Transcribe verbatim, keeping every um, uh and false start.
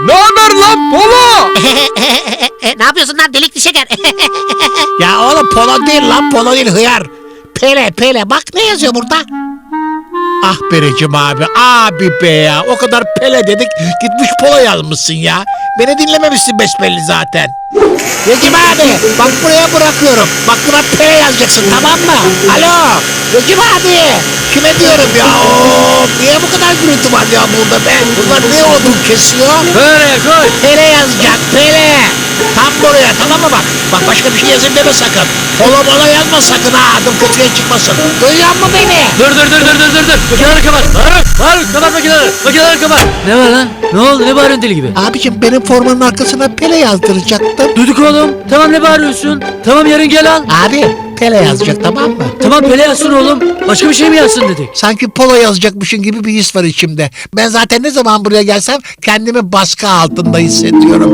Ne haber lan Polo? Ne yapıyorsun lan delikli şeker? Ya oğlum polo değil lan, polo değil hıyar. Pele Pele, bak ne yazıyor burada? Ah Berecim abi, abi be ya, o kadar Pele dedik gitmiş polo yazmışsın ya. Beni dinlememişsin besbelli zaten. Recep abi bak buraya bırakıyorum. Bak buna Pele yazacaksın, tamam mı? Alo Recep abi, kime diyorum ya? Oo, niye bu kadar gürültü var ya burada be? Bunlar ne odun kesiyor? Böyle koy. Pele yazacak, Pele. Tam buraya, tamam mı bak? Bak başka bir şey yazayım deme sakın. Polo mola yazma sakın ha, adım kötüye çıkmasın. Duyuyor musun beni? Dur dur dur dur dur dur dur. Makineleri kapat. Faruk Faruk kapat makineleri. Makineleri kapat. Ne var lan? Ne oldu? Ne bağırıyorsun deli gibi? Abicim benim formanın arkasına Pele yazdıracaktım. Duyduk oğlum. Tamam ne bağırıyorsun? Tamam yarın gel al. Abi Pele yazacak, tamam mı? Tamam Pele yazsın oğlum. Başka bir şey mi yazsın dedik? Sanki polo yazacakmışın gibi bir his var içimde. Ben zaten ne zaman buraya gelsem kendimi baskı altında hissediyorum.